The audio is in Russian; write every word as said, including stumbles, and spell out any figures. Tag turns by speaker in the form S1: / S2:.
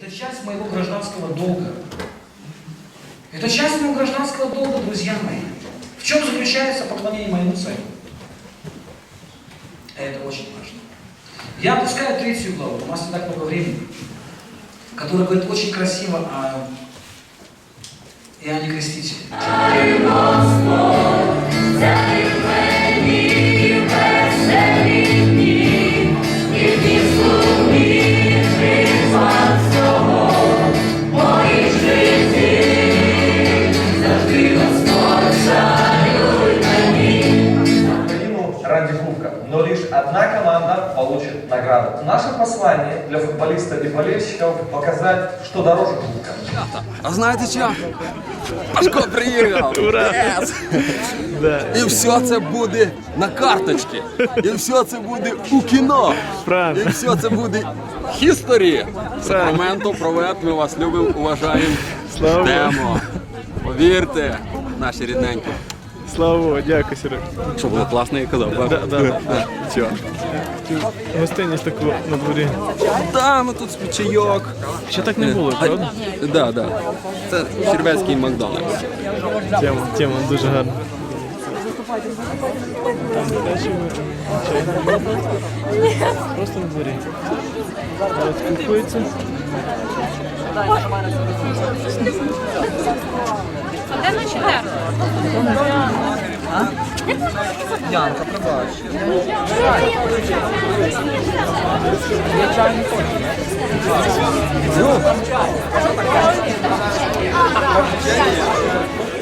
S1: Это часть моего гражданского долга. Это часть моего гражданского долга, друзья мои. В чем заключается поклонение моему царю? Это очень важно. Я опускаю третью главу, у нас не так много времени, которая говорит очень красиво о Иоанне Крестителе.
S2: Ради кубка. Но лишь одна команда получит награду. Наше послание для футболистов и болельщиков показать, что дороже кубка.
S3: А знаєте що? Пашко приїхав! Yes! І все це буде на карточці. І все це буде у кіно. І все це буде history. Сакраменто, привет, ми вас любимо, уважаємо. Ждемо. Повірте, наші рідненькі.
S4: Слава, дякую, Серег.
S3: Що було класно, я казав, так?
S4: Да, да.
S3: Чого?
S4: Гостинність таку на дворі.
S3: Так, ну тут чайок.
S4: Ще так не було, правда?
S3: Так, так. Це червецький Макдональдс.
S4: Тема, тема дуже гарна. Там дешево, чай не можна. Просто на дворі. Зараз спілкуються.
S5: Де наші де?
S1: Янка, пробач.
S3: Ну,